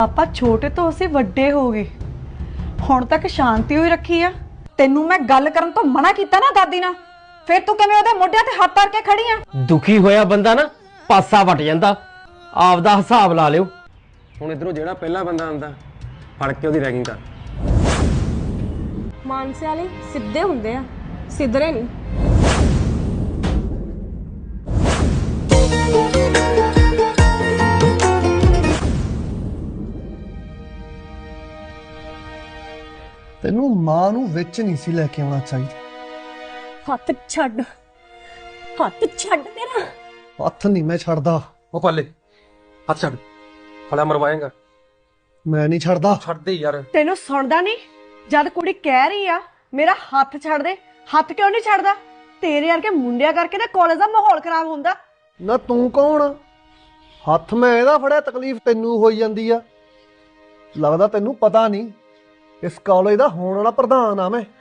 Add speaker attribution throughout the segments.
Speaker 1: ਆਪਾਂ ਛੋਟੇ ਤੋਂ ਅਸੀਂ ਵੱਡੇ ਹੋ ਗਏ, ਹੁਣ ਤੱਕ ਸ਼ਾਂਤੀ ਹੋਈ ਰੱਖੀ ਆ। ਤੈਨੂੰ ਮੈਂ ਗੱਲ ਕਰਨ ਤੋਂ ਮਨਾ ਕੀਤਾ ਨਾ ਦਾਦੀ ਨਾਲ, ਫਿਰ ਤੂੰ ਕਿਵੇਂ ਉਹਦੇ ਮੋਢਿਆਂ ਤੇ ਹੱਥ ਧਰ ਕੇ ਖੜੀ ਆ?
Speaker 2: ਦੁਖੀ ਹੋਇਆ ਬੰਦਾ ਨਾ ਪਾਸਾ ਵਟ ਜਾਂਦਾ, ਆਪਦਾ ਹਿਸਾਬ ਲਾ ਲਿਓ।
Speaker 3: ਹੁਣ ਇਧਰੋਂ ਜਿਹੜਾ ਪਹਿਲਾ ਬੰਦਾ ਆਂਦਾ ਫੜ ਕੇ ਉਹਦੀ ਰੈਗਿੰਗ ਕਰ।
Speaker 4: ਮਾਨਸੇ ਵਾਲੇ ਸਿੱਧੇ ਹੁੰਦੇ ਆ, ਸਿੱਧਰੇ ਨਹੀਂ।
Speaker 5: ਤੈਨੂੰ ਮਾਂ ਨੂੰ ਵਿੱਚ ਨਹੀਂ ਸੀ ਲੈ ਕੇ ਆਉਣਾ ਚਾਹੀਦਾ।
Speaker 4: ਹੱਥ ਛੱਡ, ਹੱਥ ਛੱਡ ਮੇਰਾ।
Speaker 5: ਹੱਥ ਨਹੀਂ ਮੈਂ ਛੱਡਦਾ।
Speaker 3: ਉਹ ਪਾਲੇ ਹੱਥ ਛੱਡ, ਫੜਾ ਮਰਵਾਏਗਾ।
Speaker 5: ਮੈਂ ਨਹੀਂ ਛੱਡਦਾ।
Speaker 3: ਛੱਡ ਦੇ ਯਾਰ।
Speaker 1: ਤੈਨੂੰ ਸੁਣਦਾ ਨਹੀਂ? ਜਦ ਕੁੜੀ ਕਹਿ ਰਹੀ ਆ ਮੇਰਾ ਹੱਥ ਛੱਡ ਦੇ, ਹੱਥ ਕਿਉਂ ਨਹੀਂ ਛੱਡਦਾ? ਤੇਰੇ ਵਰਗੇ ਮੁੰਡਿਆਂ ਕਰਕੇ ਨਾ ਕਾਲਜ ਦਾ ਮਾਹੌਲ ਖਰਾਬ ਹੁੰਦਾ।
Speaker 5: ਨਾ ਤੂੰ ਕੌਣ? ਹੱਥ ਮੈਂ ਇਹਦਾ ਫੜਿਆ, ਤਕਲੀਫ ਤੈਨੂੰ ਹੋਈ ਜਾਂਦੀ ਆ। ਲੱਗਦਾ ਤੈਨੂੰ ਪਤਾ ਨਹੀਂ, ਇਸ ਕਾਲਜ ਦਾ ਹੋਣ ਵਾਲਾ ਪ੍ਰਧਾਨ ਆ ਮੈਂ।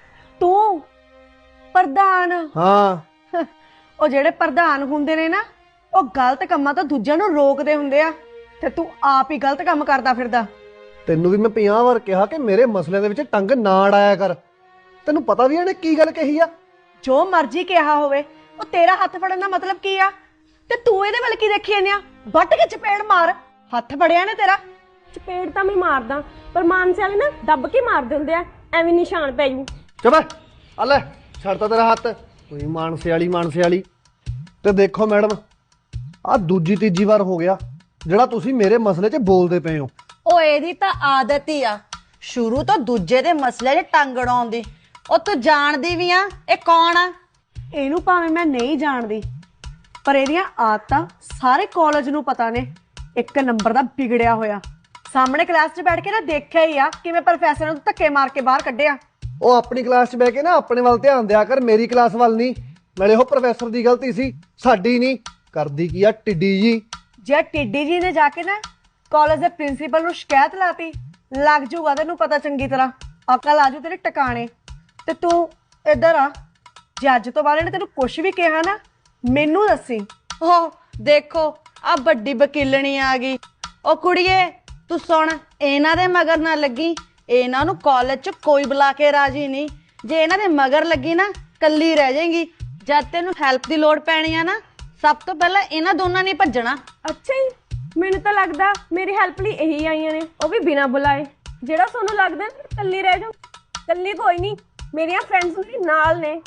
Speaker 1: ਤੂੰ ਪ੍ਰਧਾਨ?
Speaker 5: ਹਾਂ।
Speaker 1: ਉਹ ਜਿਹੜੇ ਪ੍ਰਧਾਨ ਹੁੰਦੇ ਨੇ ਨਾ, ਉਹ ਗਲਤ ਕੰਮਾਂ ਤੋਂ ਦੂਜਿਆਂ ਨੂੰ ਰੋਕਦੇ ਹੁੰਦੇ ਆ, ਤੇ ਤੂੰ ਆਪ ਹੀ ਗਲਤ ਕੰਮ ਕਰਦਾ ਫਿਰਦਾ।
Speaker 5: ਤੈਨੂੰ ਵੀ ਮੈਂ 50 ਵਾਰ ਕਿਹਾ ਕਿ ਮੇਰੇ ਮਸਲਿਆਂ ਦੇ ਵਿੱਚ ਟੰਗ ਨਾ ਅੜਾਇਆ ਕਰ। ਤੈਨੂੰ ਪਤਾ ਵੀ ਇਹਨੇ ਕੀ ਗੱਲ ਕਹੀ ਆ?
Speaker 1: ਜੋ ਮਰਜ਼ੀ ਕਿਹਾ ਹੋਵੇ, ਉਹ ਤੇਰਾ ਹੱਥ ਫੜਨ ਦਾ ਮਤਲਬ ਕੀ ਆ? ਤੇ ਤੂੰ ਇਹਦੇ ਵੱਲ ਕੀ ਦੇਖੀ ਜਾਂਦੇ ਆ? ਵੱਟ ਕੇ ਚਪੇੜ ਮਾਰ, ਹੱਥ ਫੜਿਆ ਨੇ ਤੇਰਾ।
Speaker 4: ਚਪੇੜ ਤਾਂ ਮੈਂ ਮਾਰਦਾ, ਪਰ ਮਾਨਸੇ ਵਾਲੇ ਨਾ ਦੱਬ ਕੇ ਮਾਰਦੇ ਹੁੰਦੇ ਆ, ਐਵੇਂ ਨਿਸ਼ਾਨ ਪੈ ਜੂ।
Speaker 5: ਚੁੱਪ ਆ ਲੈ, ਛੱਡਤਾ ਤੇਰਾ ਹੱਥ। ਕੋਈ ਮਾਨਸੇ ਵਾਲੀ। ਤੇ ਦੇਖੋ ਮੈਡਮ, ਆਹ ਦੂਜੀ ਤੀਜੀ ਵਾਰ ਹੋ ਗਿਆ ਜਿਹੜਾ ਤੁਸੀਂ ਮੇਰੇ ਮਸਲੇ 'ਚ ਬੋਲਦੇ ਪਏ ਹੋ।
Speaker 6: ਉਹ ਇਹਦੀ ਤਾਂ ਆਦਤ ਹੀ ਆ ਸ਼ੁਰੂ ਤੋਂ ਦੂਜੇ ਦੇ ਮਸਲੇ 'ਚ ਟੰਗ ਅੜਾਉਣ ਦੀ। ਉਹ ਤੂੰ ਜਾਣਦੀ ਵੀ ਆ ਇਹ ਕੌਣ ਆ?
Speaker 1: ਇਹਨੂੰ ਭਾਵੇਂ ਮੈਂ ਨਹੀਂ ਜਾਣਦੀ, ਪਰ ਇਹਦੀਆਂ ਆਦਤਾਂ ਸਾਰੇ ਕਾਲਜ ਨੂੰ ਪਤਾ ਨੇ। ਇੱਕ ਨੰਬਰ ਦਾ ਵਿਗੜਿਆ ਹੋਇਆ। ਸਾਹਮਣੇ ਕਲਾਸ 'ਚ ਬੈਠ ਕੇ ਨਾ ਦੇਖਿਆ ਹੀ ਆ ਕਿਵੇਂ ਪ੍ਰੋਫੈਸਰ ਨੂੰ ਧੱਕੇ ਮਾਰ ਕੇ ਬਾਹਰ ਕੱਢਿਆ।
Speaker 5: ਉਹ ਆਪਣੀ ਕਲਾਸ 'ਚ ਬਹਿ ਕੇ ਨਾ ਆਪਣੇ ਵੱਲ ਧਿਆਨ ਦਿਆ ਕਰ, ਮੇਰੀ ਕਲਾਸ ਵੱਲ ਨਹੀਂ। ਨਾਲੇ ਉਹ ਪ੍ਰੋਫੈਸਰ ਦੀ ਗਲਤੀ ਸੀ, ਸਾਡੀ ਨਹੀਂ। ਕਰਦੀ ਕੀ ਆ ਟਿੱਡੀ ਜੀ।
Speaker 1: ਜੇ ਟਿੱਡੀ ਜੀ ਨੇ ਜਾ ਕੇ ਨਾ ਕਾਲਜ ਦੇ ਪ੍ਰਿੰਸੀਪਲ ਨੂੰ ਸ਼ਿਕਾਇਤ ਲਾਤੀ, ਲੱਗ ਜੂਗਾ ਤੈਨੂੰ ਪਤਾ ਚੰਗੀ ਤਰ੍ਹਾਂ। ਅਕਲ ਆਜੂ ਤੇਰੇ ਟਿਕਾਣੇ। ਤੇ ਤੂੰ ਇੱਧਰ ਆ, ਜੇ ਅੱਜ ਤੋਂ ਬਾਅਦ ਇਹਨੇ ਤੈਨੂੰ ਕੁਛ ਵੀ ਕਿਹਾ ਨਾ, ਮੈਨੂੰ ਦੱਸੀ।
Speaker 6: ਉਹ ਦੇਖੋ ਆ ਵੱਡੀ ਵਕੀਲਣੀ ਆ ਗਈ। ਉਹ ਕੁੜੀਏ ਤੂੰ ਸੁਣ, ਇਹਨਾਂ ਦੇ ਮਗਰ ਨਾ ਲੱਗੀ। ਇਹਨਾਂ ਨੂੰ ਕਾਲਜ 'ਚ ਕੋਈ ਬੁਲਾ ਕੇ ਰਾਜੀ ਨਹੀਂ। ਜੇ ਇਹਨਾਂ ਦੇ ਮਗਰ ਲੱਗੀ ਨਾ, ਕੱਲੀ ਰਹਿ ਜਾਏਗੀ। ਜਦ ਤੈਨੂੰ ਹੈਲਪ ਦੀ ਲੋੜ ਪੈਣੀ ਆ ਨਾ, ਸਭ ਤੋਂ ਪਹਿਲਾਂ ਇਹਨਾਂ ਦੋਨਾਂ ਨੇ ਭੱਜਣਾ।
Speaker 4: ਅੱਛਾ ਜੀ, ਮੈਨੂੰ ਤਾਂ ਲੱਗਦਾ ਮੇਰੀ ਹੈਲਪ ਲਈ ਇਹੀ ਆਈਆਂ ਨੇ, ਉਹ ਵੀ ਬਿਨਾਂ ਬੁਲਾਏ। ਜਿਹੜਾ ਤੁਹਾਨੂੰ ਲੱਗਦਾ ਨਾ ਕੱਲੀ ਰਹਿ ਜਾਊ, ਕੱਲੀ ਕੋਈ ਨਹੀਂ, ਮੇਰੀਆਂ ਫਰੈਂਡਸ ਵੀ ਨਾਲ ਨੇ।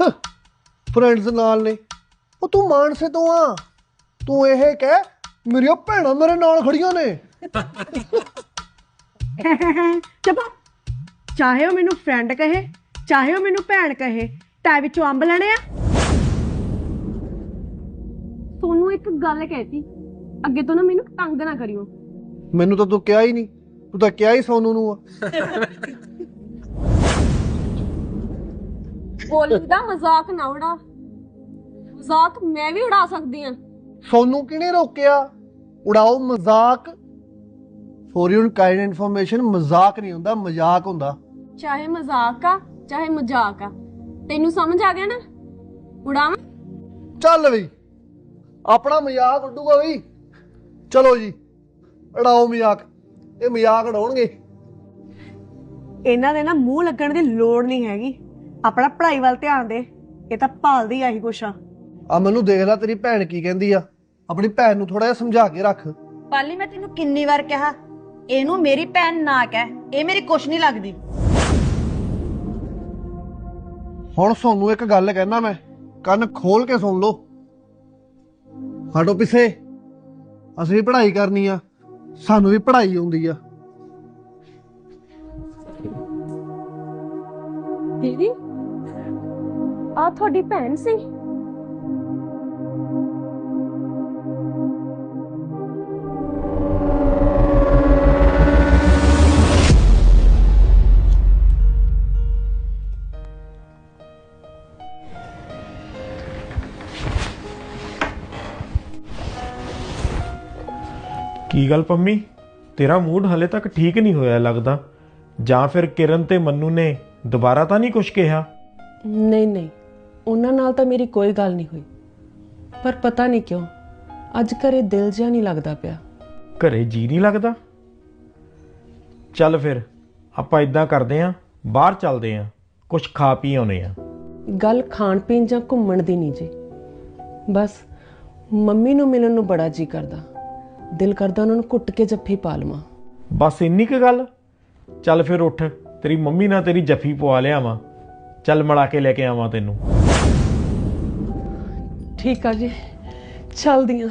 Speaker 5: ਫਰੈਂਡਸ ਨਾਲ ਨੇ? ਉਹ ਤੂੰ ਮਾਨਸੇ ਤੋਂ ਆ, ਤੂੰ ਇਹ ਕਹਿ ਮੇਰੀਆਂ ਭੈਣਾਂ ਮੇਰੇ ਨਾਲ ਖੜੀਆਂ ਨੇ।
Speaker 1: ਚੁੱਪ। ਚਾਹੇ ਉਹ ਮੈਨੂੰ ਫਰੈਂਡ ਕਹੇ, ਚਾਹੇ ਉਹ ਮੈਨੂੰ ਭੈਣ ਕਹੇ, ਟਾਈ ਵਿੱਚੋਂ ਅੰਬ ਲੈਣੇ ਆ।
Speaker 4: ਤੁਹਾਨੂੰ ਇੱਕ ਗੱਲ ਕਹਿਤੀ, ਅੱਗੇ ਤੋਂ ਨਾ ਮੈਨੂੰ ਤੰਗ ਨਾ ਕਰਿਓ।
Speaker 5: ਮੈਨੂੰ ਤਾਂ ਤੂੰ ਕਿਹਾ ਹੀ ਨਹੀਂ, ਤੂੰ ਤਾਂ ਕਿਹਾ ਹੀ ਸੋਨੂ ਨੂੰ ਆ।
Speaker 4: ਬੋਲੀ ਦਾ ਮਜ਼ਾਕ ਨਾ ਉਡਾ। ਮਜ਼ਾਕ ਮੈਂ ਵੀ ਉਡਾ ਸਕਦੀ ਹਾਂ।
Speaker 5: ਸੋਨੂ ਕਿਹਨੇ ਰੋਕਿਆ? ਉਡਾਓ ਮਜ਼ਾਕ। ਫॉर योर काइंड इन्फॉर्मेशन, ਮਜ਼ਾਕ ਨਹੀਂ ਹੁੰਦਾ, ਮਜ਼ਾਕ ਹੁੰਦਾ।
Speaker 4: ਚਾਹੇ ਮਜ਼ਾਕ ਆ ਚਾਹੇ ਮਜ਼ਾਕ ਆ, ਤੈਨੂੰ ਸਮਝ ਆ ਗਿਆ ਨਾ? ਉਡਾਵਾਂ?
Speaker 5: ਚੱਲ ਬਈ, ਆਪਣਾ ਮਜ਼ਾਕ ਉੱਡੂਗਾ ਬਈ। ਚਲੋ ਜੀ, ਉਡਾਓ ਮਜ਼ਾਕ। ਇਹ ਮਜ਼ਾਕ ਉਡਾਉਣਗੇ।
Speaker 1: ਇਹਨਾਂ ਦੇ ਨਾ ਮੂੰਹ ਲੱਗਣ ਦੀ ਲੋੜ ਨਹੀਂ ਹੈਗੀ। ਆਪਣਾ ਪੜ੍ਹਾਈ ਵੱਲ ਧਿਆਨ ਦੇ। ਇਹ ਤਾਂ ਭਾਲਦੀ ਆਹੀ ਕੁਛ ਆ।
Speaker 5: ਆ ਮੈਨੂੰ ਦੇਖ ਲੈ, ਤੇਰੀ ਭੈਣ ਕੀ ਕਹਿੰਦੀ ਆ। ਆਪਣੀ ਭੈਣ ਨੂੰ ਥੋੜਾ ਜਿਹਾ ਸਮਝਾ ਕੇ ਰੱਖ।
Speaker 6: ਪਾਲੀ ਮੈਂ ਤੈਨੂੰ ਕਿੰਨੀ ਵਾਰ ਕਿਹਾ ਇਹਨੂੰ ਮੇਰੀ ਭੈਣ ਨਾ ਕਹਿ, ਇਹ ਮੇਰੀ ਕੁਛ ਨਹੀਂ ਲੱਗਦੀ।
Speaker 5: ਹੁਣ ਸੋਨੂੰ ਇੱਕ ਗੱਲ ਕਹਿਣਾ ਮੈਂ, ਕੰਨ ਖੋਲ ਕੇ ਸੁਣ ਲਓ। ਹਟੋ ਪਿੱਛੇ, ਅਸੀਂ ਵੀ ਪੜ੍ਹਾਈ ਕਰਨੀ ਆ, ਸਾਨੂੰ ਵੀ ਪੜ੍ਹਾਈ ਆਉਂਦੀ ਆ।
Speaker 4: ਦੀਦੀ ਆ ਤੁਹਾਡੀ ਭੈਣ ਸੀ?
Speaker 7: ਕੀ ਗੱਲ ਪੰਮੀ, ਤੇਰਾ ਮੂਡ ਹਲੇ ਤੱਕ ਠੀਕ ਨਹੀਂ ਹੋਇਆ ਲੱਗਦਾ। ਜਾਂ ਫਿਰ ਕਿਰਨ ਤੇ ਮੰਨੂ ਨੇ ਦੁਬਾਰਾ ਤਾਂ ਨਹੀਂ ਕੁਝ ਕਿਹਾ?
Speaker 8: ਨਹੀਂ, ਉਹਨਾਂ ਨਾਲ ਤਾਂ ਮੇਰੀ ਕੋਈ ਗੱਲ ਨਹੀਂ ਹੋਈ, ਪਰ ਪਤਾ ਨਹੀਂ ਕਿਉਂ ਅੱਜ ਘਰੇ ਦਿਲ ਜਿਹਾ ਨਹੀਂ ਲੱਗਦਾ ਪਿਆ।
Speaker 7: ਘਰੇ ਜੀ ਨਹੀਂ ਲੱਗਦਾ? ਚੱਲ ਫਿਰ ਆਪਾਂ ਇਦਾਂ ਕਰਦੇ ਆਂ, ਬਾਹਰ ਚੱਲਦੇ ਆਂ, ਕੁਝ ਖਾ ਪੀ ਆਉਨੇ ਆਂ।
Speaker 8: ਗੱਲ ਖਾਣ ਪੀਣ ਜਾਂ ਘੁੰਮਣ ਦੀ ਨਹੀਂ ਜੀ, ਬਸ ਮੰਮੀ ਨੂੰ ਮਿਲਣ ਨੂੰ ਬੜਾ ਜੀ ਕਰਦਾ। ਦਿਲ ਕਰਦਾ ਉਹਨਾਂ ਨੂੰ ਘੁੱਟ ਕੇ ਜੱਫੀ ਪਾ ਲਵਾਂ।
Speaker 7: ਬਸ ਇੰਨੀ ਕੁ ਗੱਲ? ਚੱਲ ਫਿਰ ਉੱਠ, ਤੇਰੀ ਮੰਮੀ ਨਾਲ ਤੇਰੀ ਜੱਫੀ ਪਵਾ ਲਿਆਵਾਂ। ਚੱਲ ਮਿਲਾ ਕੇ ਲੈ ਕੇ ਆਵਾਂ ਤੈਨੂੰ।
Speaker 8: ਠੀਕ ਆ ਜੀ, ਚੱਲਦੀਆਂ।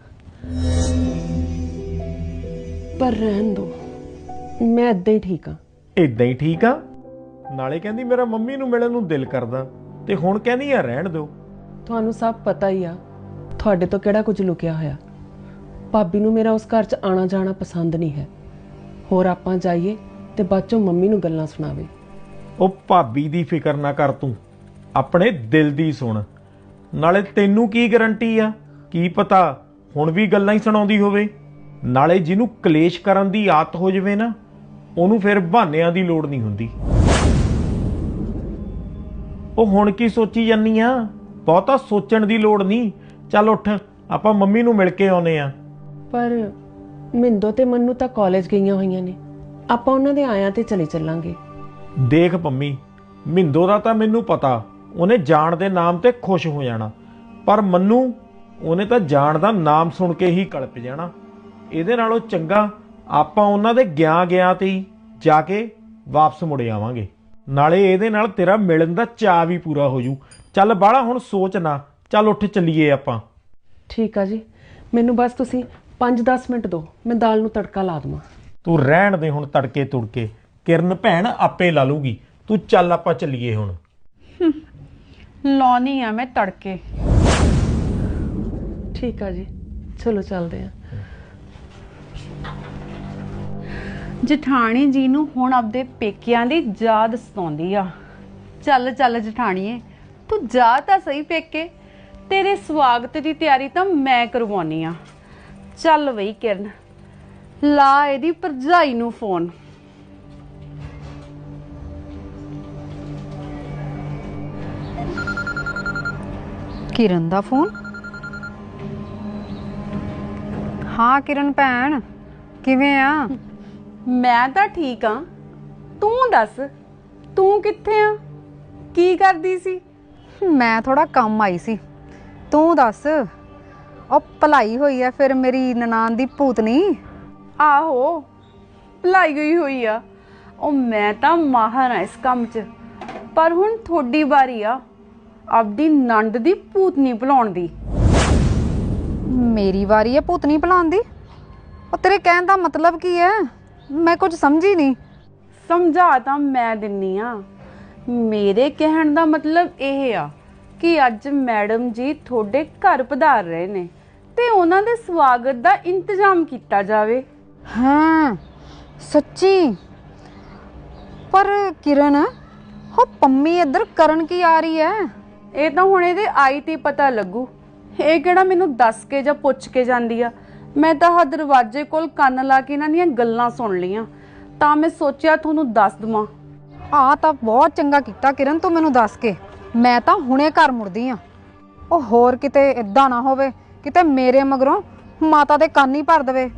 Speaker 8: ਪਰ ਰਹਿਣ ਦੋ, ਮੈਂ ਏਦਾਂ ਹੀ ਠੀਕ ਆ।
Speaker 7: ਇਦਾਂ ਹੀ ਠੀਕ ਆ? ਨਾਲੇ ਕਹਿੰਦੀ ਮੇਰਾ ਮੰਮੀ ਨੂੰ ਮਿਲਣ ਨੂੰ ਦਿਲ ਕਰਦਾ, ਤੇ ਹੁਣ ਕਹਿੰਦੀ ਆ ਰਹਿਣ ਦਿਓ।
Speaker 8: ਤੁਹਾਨੂੰ ਸਭ ਪਤਾ ਹੀ ਆ, ਤੁਹਾਡੇ ਤੋਂ ਕਿਹੜਾ ਕੁਝ ਲੁਕਿਆ ਹੋਇਆ। ਭਾਬੀ ਨੂੰ ਮੇਰਾ ਉਸ ਘਰ 'ਚ ਆਣਾ ਜਾਣਾ ਪਸੰਦ ਨਹੀਂ ਹੈ। ਹੋਰ ਆਪਾਂ ਜਾਈਏ ਤੇ ਬਾਅਦ 'ਚੋਂ ਮੰਮੀ ਨੂੰ ਗੱਲਾਂ ਸੁਣਾਵੇ।
Speaker 7: ਉਹ ਭਾਬੀ ਦੀ ਫਿਕਰ ਨਾ ਕਰ ਤੂੰ, ਆਪਣੇ ਦਿਲ ਦੀ ਸੁਣ। ਨਾਲੇ ਤੈਨੂੰ ਕੀ ਗਾਰੰਟੀ ਆ, ਕੀ ਪਤਾ ਹੁਣ ਵੀ ਗੱਲਾਂ ਹੀ ਸੁਣਾਉਂਦੀ ਹੋਵੇ। ਨਾਲੇ ਜਿਹਨੂੰ ਕਲੇਸ਼ ਕਰਨ ਦੀ ਆਦਤ ਹੋ ਜਾਵੇ ਨਾ, ਉਹਨੂੰ ਫਿਰ ਬਹਾਨਿਆਂ ਦੀ ਲੋੜ ਨਹੀਂ ਹੁੰਦੀ। ਉਹ ਹੁਣ ਕੀ ਸੋਚੀ ਜਾਨੀ ਆ? ਬਹੁਤਾ ਸੋਚਣ ਦੀ ਲੋੜ ਨਹੀਂ। ਚੱਲ ਉੱਠ, ਆਪਾਂ ਮੰਮੀ ਨੂੰ ਮਿਲ ਕੇ ਆਉਨੇ ਆ।
Speaker 8: ਪਰ ਮਿੰਦੋ ਤੇ ਮੰਨੂ ਤਾਂ ਕਾਲਜ ਗਈਆਂ ਹੋਈਆਂ ਨੇ, ਆਪਾਂ ਉਹਨਾਂ ਦੇ ਆਇਆਂ ਤੇ ਚਲੇ ਚੱਲਾਂਗੇ।
Speaker 7: ਦੇਖ ਪੰਮੀ, ਮਿੰਦੋ ਦਾ ਤਾਂ ਮੈਨੂੰ ਪਤਾ, ਉਹਨੇ ਜਾਣ ਦੇ ਨਾਮ ਤੇ ਖੁਸ਼ ਹੋ ਜਾਣਾ, ਪਰ ਮੰਨੂ ਉਹਨੇ ਤਾਂ ਜਾਣ ਦਾ ਨਾਮ ਸੁਣ ਕੇ ਹੀ ਕਲਪ ਜਾਣਾ। ਇਹਦੇ ਨਾਲੋਂ ਚੰਗਾ ਆਪਾਂ ਉਹਨਾਂ ਦੇ ਗਿਆ ਤੇ ਹੀ ਜਾ ਕੇ ਵਾਪਸ ਮੁੜ ਆਵਾਂਗੇ। ਨਾਲੇ ਇਹਦੇ ਨਾਲ ਤੇਰਾ ਮਿਲਣ ਦਾ ਚਾਅ ਵੀ ਪੂਰਾ ਹੋ ਜੂ। ਚੱਲ ਬਾਹਲਾ ਹੁਣ ਸੋਚ ਨਾ, ਚੱਲ ਉੱਠ ਚੱਲੀਏ ਆਪਾਂ।
Speaker 8: ਠੀਕ ਆ ਜੀ, ਮੈਨੂੰ ਬਸ ਤੁਸੀਂ 5-10 ਮਿੰਟ ਦਿਓ, ਮੈਂ ਦਾਲ ਨੂੰ ਤੜਕਾ ਲਾ ਦੇਵਾਂ।
Speaker 7: ਤੂੰ ਰਹਿਣ ਦੇ ਹੁਣ ਤੜਕੇ ਤੁੜਕੇ, ਕਿਰਨ ਭੈਣ ਆਪੇ ਲਾ ਲੂਗੀ। ਤੂੰ ਚੱਲ ਆਪਾਂ ਚੱਲੀਏ ਹੁਣ।
Speaker 6: ਲਾਉਣੀ ਆ ਮੈਂ ਤੜਕੇ।
Speaker 8: ਠੀਕ ਆ ਜੀ, ਚਲੋ ਚੱਲਦੇ ਆ।
Speaker 6: ਜਠਾਣੀ ਜੀ ਨੂੰ ਹੁਣ ਆਪਦੇ ਪੇਕਿਆਂ ਦੀ ਯਾਦ ਸਤਾਉਂਦੀ ਆ। ਚੱਲ ਚੱਲ ਜਠਾਣੀਏ, ਤੂੰ ਜਾ ਤਾਂ ਸਹੀ ਪੇਕੇ, ਤੇਰੇ ਸਵਾਗਤ ਦੀ ਤਿਆਰੀ ਤਾਂ ਮੈਂ ਕਰਵਾਉਣੀ ਆ। ਚੱਲ ਬਈ ਕਿਰਨ, ਲਾ ਇਹਦੀ ਭਰਜਾਈ ਨੂੰ ਫੋਨ।
Speaker 9: ਕਿਰਨ ਦਾ ਫੋਨ। ਹਾਂ ਕਿਰਨ ਭੈਣ, ਕਿਵੇਂ ਆ?
Speaker 6: ਮੈਂ ਤਾਂ ਠੀਕ ਆ, ਤੂੰ ਦੱਸ, ਤੂੰ ਕਿੱਥੇ ਆ? ਕੀ ਕਰਦੀ ਸੀ?
Speaker 9: ਮੈਂ ਥੋੜਾ ਕੰਮ ਆਈ ਸੀ, ਤੂੰ ਦੱਸ। ਉਹ ਭਲਾਈ ਹੋਈ ਐ ਫਿਰ ਮੇਰੀ ਨਨਾਣ ਦੀ ਭੂਤਨੀ।
Speaker 6: ਆਹੋ, ਭਲਾਈ ਗਈ ਹੋਈ ਆ। ਉਹ ਮੈਂ ਤਾਂ ਮਾਹਰ ਆ ਇਸ ਕੰਮ 'ਚ, ਪਰ ਹੁਣ ਤੁਹਾਡੀ ਵਾਰੀ ਆ ਆਪਦੀ ਨੰਦ ਦੀ ਭੂਤਨੀ ਭੁਲਾਉਣ ਦੀ।
Speaker 9: ਮੇਰੀ ਵਾਰੀ ਐ ਭੂਤਨੀ ਭੁਲਾਉਣ ਦੀ? ਉਹ ਤੇਰੇ ਕਹਿਣ ਦਾ ਮਤਲਬ ਕੀ ਐ? ਮੈਂ ਕੁਝ ਸਮਝੀ ਨਹੀਂ।
Speaker 6: ਸਮਝਾ ਤਾਂ ਮੈਂ ਦਿੰਨੀ ਆ। ਮੇਰੇ ਕਹਿਣ ਦਾ ਮਤਲਬ ਇਹ ਆ ਕਿ ਅੱਜ ਮੈਡਮ ਜੀ ਤੁਹਾਡੇ ਘਰ ਪਧਾਰ ਰਹੇ ਨੇ ਤੇ ਉਹਨਾਂ ਦੇ ਸਵਾਗਤ ਦਾ ਇੰਤਜ਼ਾਮ ਕੀਤਾ ਜਾਵੇ।
Speaker 9: ਹਾਂ ਸੱਚੀ? ਪਰ ਕਿਰਨ, ਉਹ ਪੰਮੀ ਇੱਧਰ ਕਰਨ ਕੀ ਆ ਰਹੀ ਐ?
Speaker 6: ਇਹ ਤਾਂ ਹੁਣ ਇਹਦੇ ਆਈ ਤੇ ਪਤਾ ਲੱਗੂ। ਇਹ ਕਿਹੜਾ ਮੈਨੂੰ ਦੱਸ ਕੇ ਜਾਂ ਪੁੱਛ ਕੇ ਜਾਂਦੀ ਆ। ਮੈਂ ਤਾਂ ਹਾ ਦਰਵਾਜ਼ੇ ਕੋਲ ਕੰਨ ਲਾ ਕੇ ਇਹਨਾਂ ਦੀਆਂ ਗੱਲਾਂ ਸੁਣ ਲਈਆਂ, ਤਾਂ ਮੈਂ ਸੋਚਿਆ ਤੁਹਾਨੂੰ ਦੱਸ ਦਵਾਂ।
Speaker 9: ਆ ਤਾਂ ਬਹੁਤ ਚੰਗਾ ਕੀਤਾ ਕਿਰਨ, ਤੂੰ ਮੈਨੂੰ ਦੱਸ ਕੇ। ਮੈਂ ਤਾਂ ਹੁਣੇ ਘਰ ਮੁੜਦੀ ਆ। ਉਹ ਹੋਰ ਕਿਤੇ ਇਦਾਂ ਨਾ ਹੋਵੇ ਕਿਤੇ ਮੇਰੇ ਮਗਰੋਂ ਮਾਤਾ ਦੇ ਕੰਨ ਹੀ ਭਰ ਦੇਵੇ।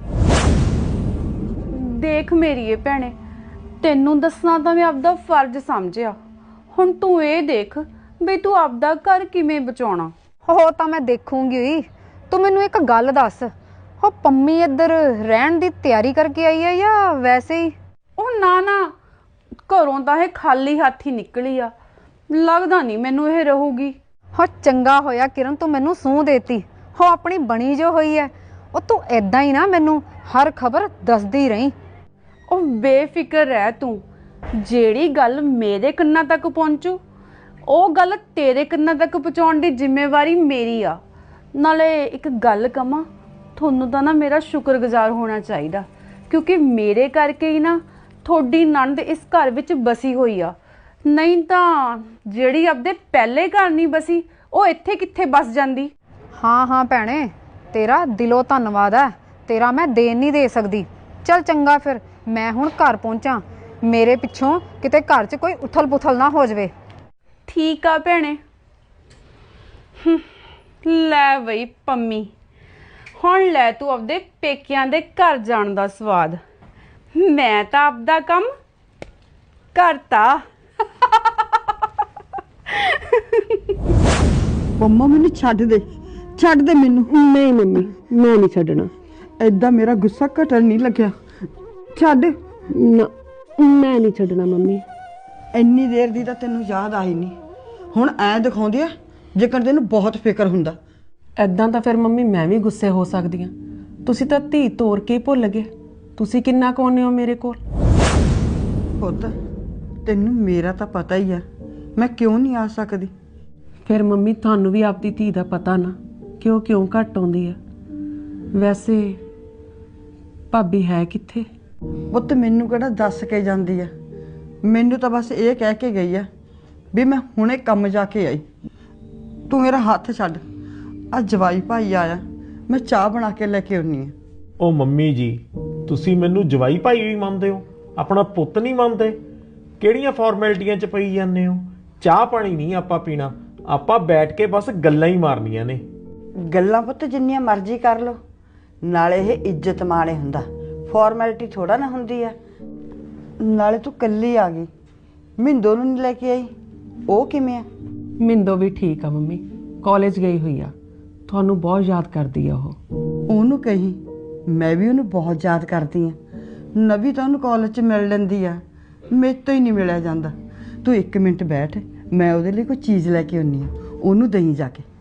Speaker 6: ਦੇਖ ਮੇਰੀਏ ਭੈਣੇ, ਤੈਨੂੰ ਦੱਸਣਾ ਤਾਂ ਮੈਂ ਆਪਦਾ ਫਰਜ਼ ਸਮਝਿਆ। ਹੁਣ ਤੂੰ ਇਹ ਦੇਖ ਵੀ ਤੂੰ ਆਪਦਾ ਘਰ ਕਿਵੇਂ ਬਚਾਉਣਾ।
Speaker 9: ਉਹ ਤਾਂ ਮੈਂ ਦੇਖੂੰਗੀ ਹੀ। ਤੂੰ ਮੈਨੂੰ ਇੱਕ ਗੱਲ ਦੱਸ, ਉਹ ਪੰਮੀ ਇੱਧਰ ਰਹਿਣ ਦੀ ਤਿਆਰੀ ਕਰਕੇ ਆਈ ਹੈ ਜਾਂ ਵੈਸੇ ਹੀ?
Speaker 6: ਉਹ ਨਾ ਨਾ, ਘਰੋਂ ਤਾਂ ਇਹ ਖਾਲੀ ਹੱਥ ਹੀ ਨਿਕਲੀ ਆ। ਲੱਗਦਾ ਨਹੀਂ ਮੈਨੂੰ ਇਹ ਰਹੂਗੀ।
Speaker 9: ਹੋ ਚੰਗਾ ਹੋਇਆ ਕਿਰਨ, ਤੂੰ ਮੈਨੂੰ ਸੂਹ ਦੇਤੀ। ਉਹ ਆਪਣੀ ਬਣੀ ਜੋ ਹੋਈ ਹੈ, ਉਹ ਤੂੰ ਏਦਾਂ ਹੀ ਨਾ ਮੈਨੂੰ ਹਰ ਖਬਰ ਦੱਸਦੀ ਰਹੀਂ।
Speaker 6: ਉਹ ਬੇਫਿਕਰ ਰਹਿ ਤੂੰ। ਜਿਹੜੀ ਗੱਲ ਮੇਰੇ ਕੰਨਾਂ ਤੱਕ ਪਹੁੰਚੂ, ਉਹ ਗੱਲ ਤੇਰੇ ਕੰਨਾਂ ਤੱਕ ਪਹੁੰਚਾਉਣ ਦੀ ਜ਼ਿੰਮੇਵਾਰੀ ਮੇਰੀ ਆ। ਨਾਲੇ ਇੱਕ ਗੱਲ ਕਵਾਂ, ਤੁਹਾਨੂੰ ਤਾਂ ਨਾ ਮੇਰਾ ਸ਼ੁਕਰਗੁਜ਼ਾਰ ਹੋਣਾ ਚਾਹੀਦਾ, ਕਿਉਂਕਿ ਮੇਰੇ ਕਰਕੇ ਹੀ ਨਾ ਤੁਹਾਡੀ ਨਣਦ ਇਸ ਘਰ ਵਿੱਚ ਬਸੀ ਹੋਈ ਆ। ਨਹੀਂ ਤਾਂ ਜਿਹੜੀ ਆਪਦੇ ਪਹਿਲੇ ਘਰ ਨਹੀਂ ਬਸੀ, ਉਹ ਇੱਥੇ ਕਿੱਥੇ ਬਸ ਜਾਂਦੀ।
Speaker 9: ਹਾਂ ਹਾਂ ਭੈਣੇ, ਤੇਰਾ ਦਿਲੋਂ ਧੰਨਵਾਦ ਹੈ। ਤੇਰਾ ਮੈਂ ਦੇਣ ਨਹੀਂ ਦੇ ਸਕਦੀ। ਚੱਲ ਚੰਗਾ ਫਿਰ, ਮੈਂ ਹੁਣ ਘਰ ਪਹੁੰਚਾਂ। ਮੇਰੇ ਪਿੱਛੋਂ ਕਿਤੇ ਘਰ 'ਚ ਕੋਈ ਉਥਲ ਪੁਥਲ ਨਾ ਹੋ ਜਾਵੇ।
Speaker 6: ਠੀਕ ਆ ਭੈਣੇ। ਲੈ ਬਈ ਪੰਮੀ, ਹੁਣ ਲੈ ਤੂੰ ਆਪਦੇ ਪੇਕਿਆਂ ਦੇ ਘਰ ਜਾਣ ਦਾ ਸਵਾਦ। ਮੈਂ ਤਾਂ ਆਪਦਾ ਕੰਮ ਕਰਤਾ।
Speaker 10: ਮੰਮਾ ਮੈਨੂੰ ਛੱਡ ਦੇ ਮੈਨੂੰ।
Speaker 8: ਨਹੀਂ ਮੰਮੀ, ਮੈਂ ਨਹੀਂ ਛੱਡਣਾ।
Speaker 10: ਐਦਾਂ ਮੇਰਾ ਗੁੱਸਾ ਘਟਣ ਨਹੀਂ ਲੱਗਿਆ। ਛੱਡ।
Speaker 8: ਨਾ, ਮੈਂ ਨਹੀਂ ਛੱਡਣਾ ਮੰਮੀ।
Speaker 10: ਇੰਨੀ ਦੇਰ ਦੀ ਤਾਂ ਤੈਨੂੰ ਯਾਦ ਆਈ ਨਹੀਂ, ਹੁਣ ਐ ਦਿਖਾਉਂਦੀ ਆ ਜੇਕਰ ਤੈਨੂੰ ਬਹੁਤ ਫਿਕਰ ਹੁੰਦਾ।
Speaker 8: ਐਦਾਂ ਤਾਂ ਫਿਰ ਮੰਮੀ ਮੈਂ ਵੀ ਗੁੱਸੇ ਹੋ ਸਕਦੀ ਹਾਂ। ਤੁਸੀਂ ਤਾਂ ਧੀ ਤੋਰ ਕੇ ਭੁੱਲ ਗਏ। ਤੁਸੀਂ ਕਿੰਨਾ ਕੁ ਆਉਂਦੇ ਹੋ ਮੇਰੇ ਕੋਲ।
Speaker 10: ਪੁੱਤ ਤੈਨੂੰ ਮੇਰਾ ਤਾਂ ਪਤਾ ਹੀ ਆ, ਮੈਂ ਕਿਉਂ ਨਹੀਂ ਆ ਸਕਦੀ।
Speaker 8: ਫਿਰ ਮੰਮੀ ਤੁਹਾਨੂੰ ਵੀ ਆਪਦੀ ਧੀ ਦਾ ਪਤਾ ਨਾ ਕਿ ਉਹ ਕਿਉਂ ਘੱਟ ਆਉਂਦੀ ਆ। ਵੈਸੇ ਭਾਬੀ ਹੈ ਕਿੱਥੇ?
Speaker 10: ਪੁੱਤ ਮੈਨੂੰ ਕਿਹੜਾ ਦੱਸ ਕੇ ਜਾਂਦੀ ਆ, ਮੈਨੂੰ ਤਾਂ ਬਸ ਇਹ ਕਹਿ ਕੇ ਗਈ ਆ ਵੀ ਮੈਂ ਹੁਣੇ ਕੰਮ ਜਾ ਕੇ ਆਈ। ਤੂੰ ਮੇਰਾ ਹੱਥ ਛੱਡ। ਆ ਜਵਾਈ ਭਾਈ ਆਇਆ, ਮੈਂ ਚਾਹ ਬਣਾ ਕੇ ਲੈ ਕੇ ਆਉਣੀ ਆ।
Speaker 7: ਉਹ ਮੰਮੀ ਜੀ, ਤੁਸੀਂ ਮੈਨੂੰ ਜਵਾਈ ਭਾਈ ਵੀ ਮੰਨਦੇ ਹੋ, ਆਪਣਾ ਪੁੱਤ ਨਹੀਂ ਮੰਨਦੇ? ਕਿਹੜੀਆਂ ਫਾਰਮੈਲਿਟੀਆਂ 'ਚ ਪਈ ਜਾਂਦੇ ਹੋ? ਚਾਹ ਪਾਣੀ ਨਹੀਂ ਆਪਾਂ ਪੀਣਾ, ਆਪਾਂ ਬੈਠ ਕੇ ਬਸ ਗੱਲਾਂ ਹੀ ਮਾਰਨੀਆਂ ਨੇ।
Speaker 10: ਗੱਲਾਂ ਪੁੱਤ ਜਿੰਨੀਆਂ ਮਰਜ਼ੀ ਕਰ ਲੋ, ਨਾਲੇ ਇਹ ਇੱਜ਼ਤ ਮਾਣੇ ਹੁੰਦਾ, ਫਾਰਮੈਲਿਟੀ ਥੋੜਾ ਨਾ ਹੁੰਦੀ ਆ। ਨਾਲੇ ਤੂੰ ਕੱਲੀ ਆ ਗਈ, ਮਿੰਦੋ ਨੂੰ ਨਹੀਂ ਲੈ ਕੇ ਆਈ, ਉਹ ਕਿਵੇਂ ਆ?
Speaker 8: ਮਿੰਦੋ ਵੀ ਠੀਕ ਆ ਮੰਮੀ, ਕਾਲਜ ਗਈ ਹੋਈ ਆ। ਤੁਹਾਨੂੰ ਬਹੁਤ ਯਾਦ ਕਰਦੀ ਆ ਉਹ।
Speaker 10: ਉਹਨੂੰ ਕਹੀ ਮੈਂ ਵੀ ਉਹਨੂੰ ਬਹੁਤ ਯਾਦ ਕਰਦੀ ਆ। ਨਵੀ ਤਾਂ ਉਹਨੂੰ ਕਾਲਜ 'ਚ ਮਿਲ ਲੈਂਦੀ ਆ, ਮੇਰੇ ਤੋਂ ਹੀ ਨਹੀਂ ਮਿਲਿਆ ਜਾਂਦਾ। ਤੂੰ 1 ਮਿੰਟ ਬੈਠ, ਮੈਂ ਉਹਦੇ ਲਈ ਕੋਈ ਚੀਜ਼ ਲੈ ਕੇ ਆਉਣੀ ਆ, ਉਹਨੂੰ ਦਈ ਜਾ ਕੇ।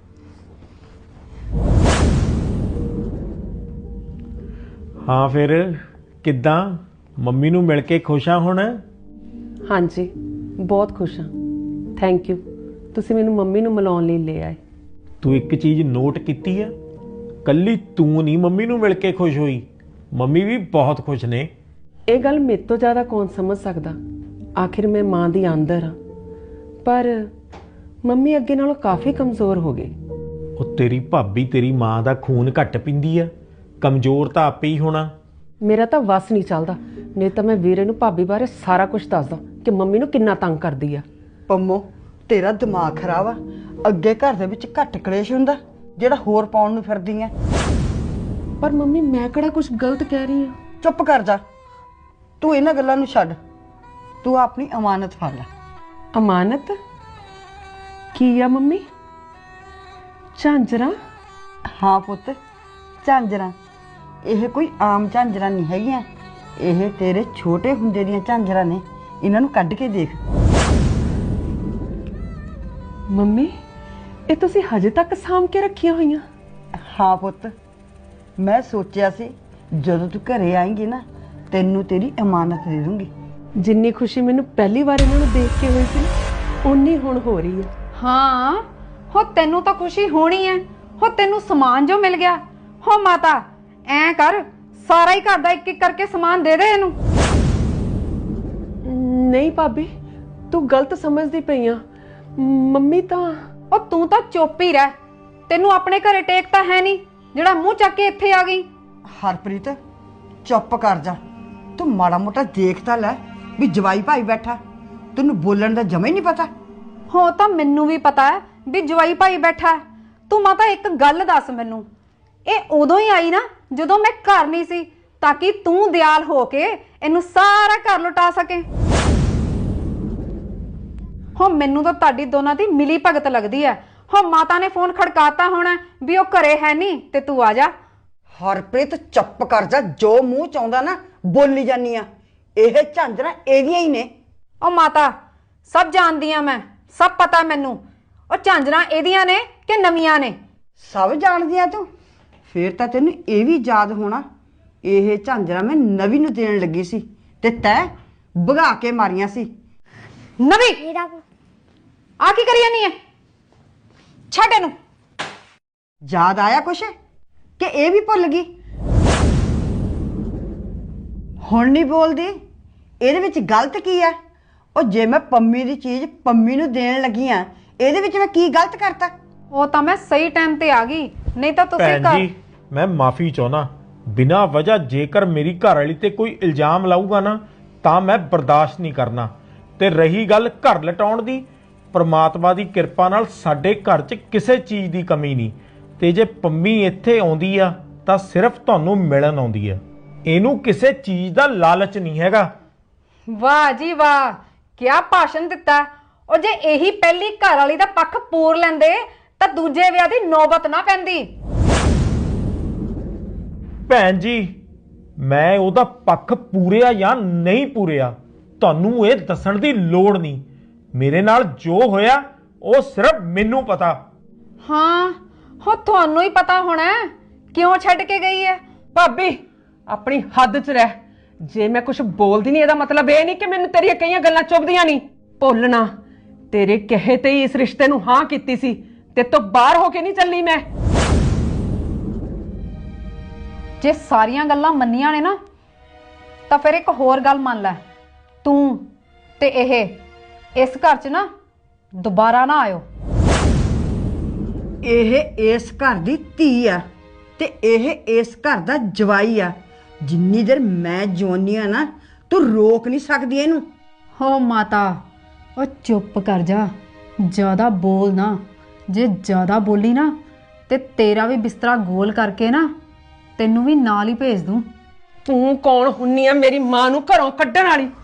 Speaker 7: ਹਾਂ ਫਿਰ ਕਿੱਦਾਂ, ਮੰਮੀ ਨੂੰ ਮਿਲ ਕੇ ਖੁਸ਼ ਆ ਹੁਣ?
Speaker 8: ਹਾਂਜੀ ਬਹੁਤ ਖੁਸ਼ ਹਾਂ। ਥੈਂਕ ਯੂ, ਤੁਸੀਂ ਮੈਨੂੰ ਮੰਮੀ ਨੂੰ ਮਿਲਾਉਣ ਲਈ ਲੈ ਆਏ।
Speaker 7: ਤੂੰ ਇੱਕ ਚੀਜ਼ ਨੋਟ ਕੀਤੀ ਆ, ਕੱਲੀ ਤੂੰ ਨਹੀਂ ਮੰਮੀ ਨੂੰ ਮਿਲ ਕੇ ਖੁਸ਼ ਹੋਈ, ਮੰਮੀ ਵੀ ਬਹੁਤ ਖੁਸ਼ ਨੇ।
Speaker 8: ਇਹ ਗੱਲ ਮੇਰੇ ਤੋਂ ਜ਼ਿਆਦਾ ਕੌਣ ਸਮਝ ਸਕਦਾ, ਆਖਿਰ ਮੈਂ ਮਾਂ ਦੀ ਆਂਦਰ ਹਾਂ। ਪਰ ਮੰਮੀ ਅੱਗੇ ਨਾਲੋਂ ਕਾਫੀ ਕਮਜ਼ੋਰ ਹੋ ਗਏ।
Speaker 7: ਉਹ ਤੇਰੀ ਭਾਬੀ ਤੇਰੀ ਮਾਂ ਦਾ ਖੂਨ ਘੱਟ ਪੀਂਦੀ ਆ, ਕਮਜ਼ੋਰ ਤਾਂ ਆਪੇ ਹੀ ਹੋਣਾ।
Speaker 8: ਮੇਰਾ ਤਾਂ ਵਸ ਨਹੀਂ ਚੱਲਦਾ, ਨਹੀਂ ਤਾਂ ਮੈਂ ਵੀਰੇ ਨੂੰ ਭਾਬੀ ਬਾਰੇ ਸਾਰਾ ਕੁਝ ਦੱਸਦਾ ਕਿ ਮੰਮੀ ਨੂੰ ਕਿੰਨਾ ਤੰਗ ਕਰਦੀ ਆ।
Speaker 10: ਪੰਮੋ ਤੇਰਾ ਦਿਮਾਗ ਖਰਾਬ ਆ, ਅੱਗੇ ਘਰ ਦੇ ਵਿੱਚ ਘੱਟ ਕਲੇਸ਼ ਹੁੰਦਾ ਜਿਹੜਾ ਹੋਰ ਪਾਉਣ ਨੂੰ ਫਿਰਦੀ ਐ।
Speaker 8: ਪਰ ਮੰਮੀ ਮੈਂ ਕਿਹੜਾ ਕੁਝ ਗਲਤ ਕਹਿ ਰਹੀ ਹਾਂ।
Speaker 10: ਚੁੱਪ ਕਰ ਜਾ, ਤੂੰ ਇਹਨਾਂ ਗੱਲਾਂ ਨੂੰ ਛੱਡ, ਤੂੰ ਆਪਣੀ ਅਮਾਨਤ ਫੜ ਲੈ।
Speaker 8: ਅਮਾਨਤ ਕੀ ਆ ਮੰਮੀ? ਝਾਂਜਰਾਂ?
Speaker 10: ਹਾਂ ਪੁੱਤ, ਝਾਂਜਰਾਂ। ਇਹ ਕੋਈ ਆਮ ਝਾਂਜਰਾਂ ਨਹੀਂ ਹੈਗੀਆਂ, ਇਹ ਤੇਰੇ ਛੋਟੇ ਹੁੰਦੇ ਦੀਆਂ ਝਾਂਜਰਾਂ ਨੇ। ਇਹਨਾਂ ਨੂੰ ਕੱਢ ਕੇ ਦੇਖ।
Speaker 8: ਮੰਮੀ ਇਹ ਤੁਸੀਂ ਹਜੇ ਤੱਕ ਸਾਂਭ ਕੇ ਰੱਖੀਆਂ ਹੋਈਆਂ?
Speaker 10: ਹਾਂ ਪੁੱਤ, ਮੈਂ ਸੋਚਿਆ ਸੀ ਜਦੋਂ ਤੂੰ ਘਰੇ ਆਏਂਗੀ ਨਾ, ਤੈਨੂੰ ਤੇਰੀ ਅਮਾਨਤ ਦੇ ਦੂੰਗੀ।
Speaker 8: ਜਿੰਨੀ ਖੁਸ਼ੀ ਮੈਨੂੰ ਪਹਿਲੀ ਵਾਰ ਇਹਨਾਂ ਨੂੰ ਦੇਖ ਕੇ ਹੋਈ ਸੀ, ਓਨੀ ਹੁਣ ਹੋ ਰਹੀ ਹੈ।
Speaker 9: ਹਾਂ ਹੋ, ਤੈਨੂੰ ਤਾਂ ਖੁਸ਼ੀ ਹੋਣੀ ਹੈ। ਹੋ ਤੈਨੂੰ ਸਮਾਨ ਜੋ ਮਿਲ ਗਿਆ। ਹੋ ਮਾਤਾ ਐ ਕਰ, ਸਾਰਾ ਹੀ ਘਰ ਦਾ ਇੱਕ ਇੱਕ ਕਰਕੇ ਸਮਾਨ ਦੇ ਦੇ ਇਹਨੂੰ।
Speaker 8: ਨਹੀਂ ਭਾਬੀ, ਤੂੰ ਗਲਤ ਸਮਝਦੀ ਪਈ ਆ। ਮੰਮੀ ਤਾਂ
Speaker 9: ਉਹ ਤੂੰ ਤਾਂ ਚੁੱਪ ਹੀ ਰਹਿ, ਤੈਨੂੰ ਆਪਣੇ ਘਰੇ ਟੇਕ ਤਾਂ ਹੈ ਨਹੀਂ ਜਿਹੜਾ ਮੂੰਹ ਚੱਕ ਕੇ ਇੱਥੇ ਆ ਗਈ।
Speaker 10: ਹਰਪ੍ਰੀਤ ਚੁੱਪ ਕਰ ਜਾ, ਤੂੰ ਮਾੜਾ ਮੋਟਾ ਦੇਖ ਤਾਂ ਲੈ ਵੀ ਜਵਾਈ ਭਾਈ ਬੈਠਾ, ਤੈਨੂੰ ਬੋਲਣ ਦਾ ਜਮਾ ਹੀ ਨਹੀਂ ਪਤਾ।
Speaker 9: ਹੋ ਤਾਂ ਮੈਨੂੰ ਵੀ ਪਤਾ ਹੈ ਵੀ ਜਵਾਈ ਭਾਈ ਬੈਠਾ। ਤੂੰ ਮਾਤਾ ਇੱਕ ਗੱਲ ਦੱਸ ਮੈਨੂੰ, ਇਹ ਉਦੋਂ ਹੀ ਆਈ ਨਾ ਜਦੋਂ ਮੈਂ ਘਰ ਨਹੀਂ ਸੀ, ਤਾਂ ਕਿ ਤੂੰ ਦਿਆਲ ਹੋ ਕੇ ਇਹਨੂੰ ਸਾਰਾ ਘਰ ਲੁਟਾ ਸਕੇ। ਹੋ ਮੈਨੂੰ ਤਾਂ ਤੁਹਾਡੀ ਦੋਨਾਂ ਦੀ ਮਿਲੀ ਭਗਤ ਲੱਗਦੀ ਹੈ। ਹੋ ਮਾਤਾ ਨੇ ਫੋਨ ਖੜਕਾਤਾ ਹੋਣਾ ਵੀ ਉਹ ਘਰੇ ਹੈ ਨਹੀਂ ਤੇ ਤੂੰ ਆ ਜਾ।
Speaker 10: ਹਰਪ੍ਰੀਤ ਚੁੱਪ ਕਰ ਜਾ, ਜੋ ਮੂੰਹ ਚ ਆਉਂਦਾ ਨਾ ਬੋਲੀ ਜਾਨੀ ਆ। ਇਹ ਝਾਂਜਰਾਂ ਇਹਦੀਆਂ ਹੀ ਨੇ।
Speaker 9: ਉਹ ਮਾਤਾ ਸਭ ਜਾਣਦੀ ਆ ਮੈਂ, ਸਭ ਪਤਾ ਮੈਨੂੰ। ਉਹ ਝਾਂਜਰਾਂ ਇਹਦੀਆਂ ਨੇ ਕਿ ਨਵੀਆਂ ਨੇ?
Speaker 10: ਸਭ ਜਾਣਦੀ ਆ ਤੂੰ, ਫੇਰ ਤਾਂ ਤੈਨੂੰ ਇਹ ਵੀ ਯਾਦ ਹੋਣਾ, ਇਹ ਝਾਂਜਰਾਂ ਮੈਂ ਨਵੀਂ ਨੂੰ ਦੇਣ ਲੱਗੀ ਸੀ ਤੇ ਤੈਂ ਭਗਾ ਕੇ ਮਾਰੀਆਂ ਸੀ।
Speaker 9: ਨਵੀਂ ਆ ਕੀ ਕਰੀ ਜਾਨੀ ਹੈ? ਛੱਡ ਇਹਨੂੰ।
Speaker 10: ਯਾਦ ਆਇਆ ਕੁਛ ਕਿ ਇਹ ਵੀ ਭੁੱਲ ਗਈ? ਹੁਣ ਨਹੀਂ ਬੋਲਦੀ, ਇਹਦੇ ਵਿੱਚ ਗਲਤ ਕੀ ਹੈ? ਉਹ ਜੇ ਮੈਂ ਪੰਮੀ ਦੀ ਚੀਜ਼ ਪੰਮੀ ਨੂੰ ਦੇਣ ਲੱਗੀ ਆ, ਇਹਦੇ ਵਿੱਚ ਮੈਂ ਕੀ ਗਲਤ ਕਰਤਾ?
Speaker 9: ਉਹ ਤਾਂ ਮੈਂ ਸਹੀ ਟਾਈਮ ਤੇ ਆ ਗਈ, ਨਹੀਂ ਤਾਂ ਤੁਸੀਂ
Speaker 7: ਭੈਣ ਜੀ ਮੈਂ ਮਾਫੀ ਚਾਹੁੰਦਾ, ਬਿਨਾਂ ਵਜ੍ਹਾ ਜੇਕਰ ਮੇਰੀ ਘਰ ਵਾਲੀ ਤੇ ਕੋਈ ਇਲਜ਼ਾਮ ਲਾਊਗਾ ਨਾ ਤਾਂ ਮੈਂ ਬਰਦਾਸ਼ਤ ਨਹੀਂ ਕਰਨਾ। ਤੇ ਰਹੀ ਗੱਲ ਘਰ ਲਟਾਉਣ ਦੀ, ਪ੍ਰਮਾਤਮਾ ਦੀ ਕਿਰਪਾ ਨਾਲ ਸਾਡੇ ਘਰ 'ਚ ਕਿਸੇ ਚੀਜ਼ ਦੀ ਕਮੀ ਨਹੀਂ। ਤੇ ਜੇ ਪੰਮੀ ਇੱਥੇ ਆਉਂਦੀ ਆ ਤਾਂ ਸਿਰਫ ਤੁਹਾਨੂੰ ਮਿਲਣ ਆਉਂਦੀ ਆ। ਇਹਨੂੰ ਕਿਸੇ ਚੀਜ਼ ਦਾ ਲਾਲਚ ਨਹੀਂ ਹੈਗਾ।
Speaker 9: ਵਾਹ ਜੀ ਵਾਹ, ਕਿਆ ਭਾਸ਼ਣ ਦਿੱਤਾ। ਉਹ ਜੇ ਇਹੀ ਪਹਿਲੀ ਘਰ ਵਾਲੀ ਦਾ ਪੱਖ ਪੂਰ ਲੈਂਦੇ ਤਾਂ ਦੂਜੇ ਵਿਆਹ ਦੀ ਨੌਬਤ ਨਾ ਪੈਂਦੀ।
Speaker 7: ਭੈਣ ਜੀ, ਮੈਂ ਉਹਦਾ ਪੱਖ ਪੂਰਿਆ ਜਾਂ ਨਹੀਂ ਪੂਰਿਆ ਤੁਹਾਨੂੰ ਇਹ ਦੱਸਣ ਦੀ ਲੋੜ ਨਹੀਂ। ਮੇਰੇ ਨਾਲ ਜੋ ਹੋਇਆ ਉਹ ਸਿਰਫ ਮੈਨੂੰ ਪਤਾ।
Speaker 9: ਹਾਂ, ਹੋ ਤੁਹਾਨੂੰ ਹੀ ਪਤਾ ਹੋਣਾ ਕਿਉਂ ਛੱਡ ਕੇ ਗਈ ਹੈ।
Speaker 8: ਭਾਬੀ ਆਪਣੀ ਹੱਦ 'ਚ ਰਹਿ। ਜੇ ਮੈਂ ਕੁਝ ਬੋਲਦੀ ਨਹੀਂ ਇਹਦਾ ਮਤਲਬ ਇਹ ਨਹੀਂ ਕਿ ਮੈਨੂੰ ਤੇਰੀਆਂ ਕਈਆਂ ਗੱਲਾਂ ਚੁੱਭਦੀਆਂ ਨਹੀਂ। ਭੁੱਲਣਾ ਤੇਰੇ ਕਹੇ ਤੇ ਹੀ ਇਸ ਰਿਸ਼ਤੇ ਨੂੰ ਹਾਂ ਕੀਤੀ ਸੀ, ਤੇ ਤੋਂ ਬਾਹਰ ਹੋ ਕੇ ਨਹੀਂ ਚੱਲੀ ਮੈਂ।
Speaker 9: ਜੇ ਸਾਰੀਆਂ ਗੱਲਾਂ ਮੰਨੀਆਂ ਨੇ ਨਾ ਤਾਂ ਫਿਰ ਇੱਕ ਹੋਰ ਗੱਲ ਮੰਨ ਲੈ, ਤੂੰ ਤੇ ਇਹ ਇਸ ਘਰ 'ਚ ਨਾ ਦੁਬਾਰਾ ਨਾ ਆਇਓ।
Speaker 10: ਇਹ ਇਸ ਘਰ ਦੀ ਧੀ ਆ ਤੇ ਇਹ ਇਸ ਘਰ ਦਾ ਜਵਾਈ ਆ। ਜਿੰਨੀ ਦੇਰ ਮੈਂ ਜਿਉਂਦੀ ਆ ਨਾ, ਤੂੰ ਰੋਕ ਨਹੀਂ ਸਕਦੀ ਇਹਨੂੰ।
Speaker 9: ਹੋ ਮਾਤਾ, ਉਹ ਚੁੱਪ ਕਰ ਜਾ, ਜ਼ਿਆਦਾ ਬੋਲ ਨਾ। ਜੇ ਜ਼ਿਆਦਾ ਬੋਲੀ ਨਾ ਤੇ ਤੇਰਾ ਵੀ ਬਿਸਤਰਾ ਗੋਲ ਕਰਕੇ ਨਾ ਤੈਨੂੰ ਵੀ ਨਾਲ ਹੀ ਭੇਜ ਦੂੰ।
Speaker 8: ਤੂੰ ਕੌਣ ਹੁੰਨੀ ਆ ਮੇਰੀ ਮਾਂ ਨੂੰ ਘਰੋਂ ਕੱਢਣ ਵਾਲੀ?